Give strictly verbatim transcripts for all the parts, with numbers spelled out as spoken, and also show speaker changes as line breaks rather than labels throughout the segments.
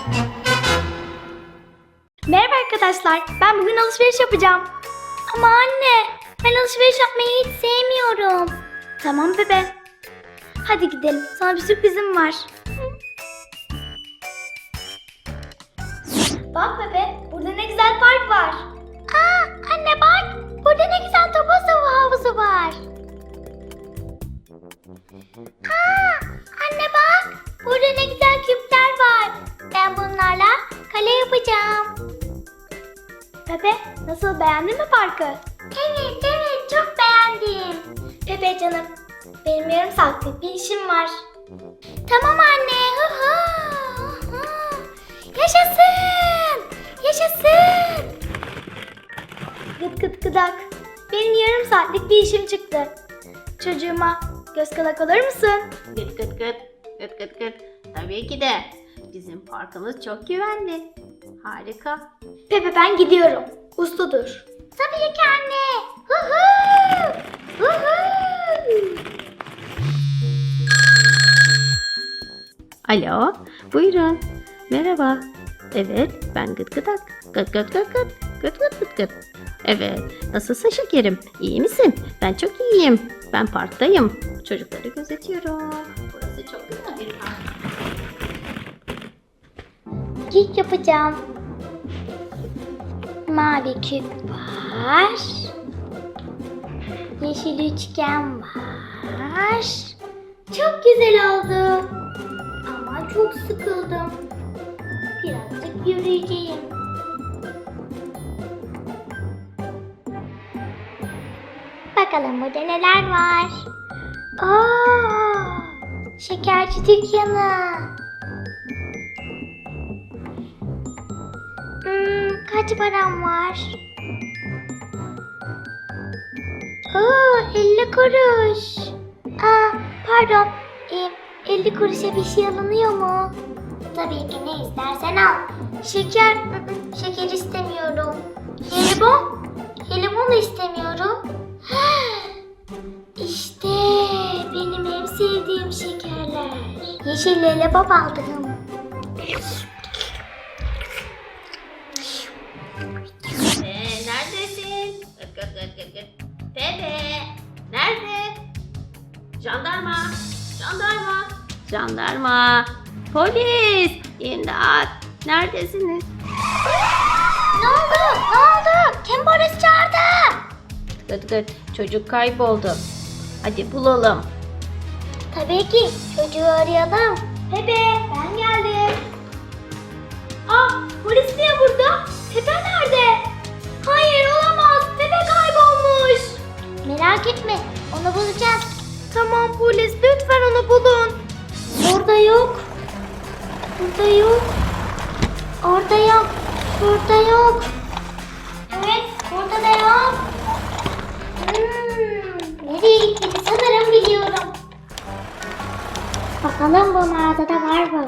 Merhaba arkadaşlar, ben bugün alışveriş yapacağım. Ama anne, ben alışveriş yapmayı hiç sevmiyorum. Tamam bebe. Hadi gidelim, sana bir sürprizim var. Bak bebe, burada ne güzel park var. Aa, anne bak, burada ne güzel top havuzu var. Aa, anne bak, burada ne güzel küpler var. Ben bunlarla kale yapacağım. Pepe, nasıl, beğendin mi parkı? Evet evet, çok beğendim. Pepe canım, benim yarım saatlik bir işim var. Tamam anne. Hı hı, hı hı. Yaşasın. Yaşasın. Gıt gıt gıdak. Benim yarım saatlik bir işim çıktı. Çocuğuma göz kulak olur musun?
Gıt gıt gıt. Gıt gıt gıt. Tabii ki de. Bizim parkımız çok güvenli. Harika.
Pepe, ben gidiyorum. Uslu dur. Tabii ki anne. Hı hı. Hı hı.
Alo. Buyurun. Merhaba. Evet. Ben gıt gıdak. Gıt gıt gıt gıt. Gıt gıt gıt gıt. Evet. Nasılsın şekerim? İyi misin? Ben çok iyiyim. Ben parktayım. Çocukları gözetiyorum. Burası çok güzel bir park.
Kek yapacağım. Mavi küp var. Yeşil üçgen var. Çok güzel oldu. Ama çok sıkıldım. Birazcık yürüyeceğim. Bakalım burada neler var. Aa, şekerci dükkanı. Hmm, kaç param var? Oo, elli kuruş. Aa, pardon. Ee, elli kuruşa bir şey alınıyor mu? Tabii ki, ne istersen al. Şeker, ı ı, şeker istemiyorum. Jelibon, jelibon da istemiyorum. İşte benim en sevdiğim şekerler. Yeşil lollipop aldım.
Ee, neredesin? Gıt gıt gıt gıt gıt. Pepe. Nerede? Jandarma. Jandarma. Jandarma. Polis. İmdat. Neredesiniz?
Ne oldu? Ne oldu? Kim polis çağırdı?
Gıt gıt. Çocuk kayboldu. Hadi bulalım.
Tabii ki, çocuğu arayalım. Pepe, ben geldim. Aa, polis niye burada? Pepe nerede? Hayır, olamaz. Pepe kaybolmuş. Merak etme, onu bulacağız. Tamam polis, lütfen onu bulun. Burada yok. Burada yok. Orada yok. Burada yok. Evet, burada da yok. Hmm, nereye gitti sanırım biliyorum. Bakalım bu mağazada var mı?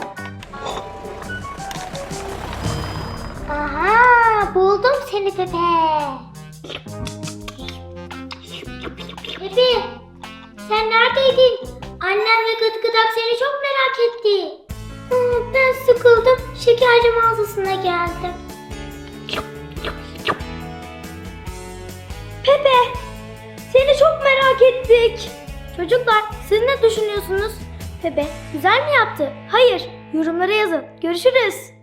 Aha, buldum seni Pepe. Pepe, sen neredeydin? Annem ve Gıt Gıdak seni çok merak etti. Hmm, ben sıkıldım, şekerci mağazasına geldim. Pepe, seni çok merak ettik. Çocuklar, siz ne düşünüyorsunuz? Pepe güzel mi yaptı? Hayır, yorumlara yazın. Görüşürüz.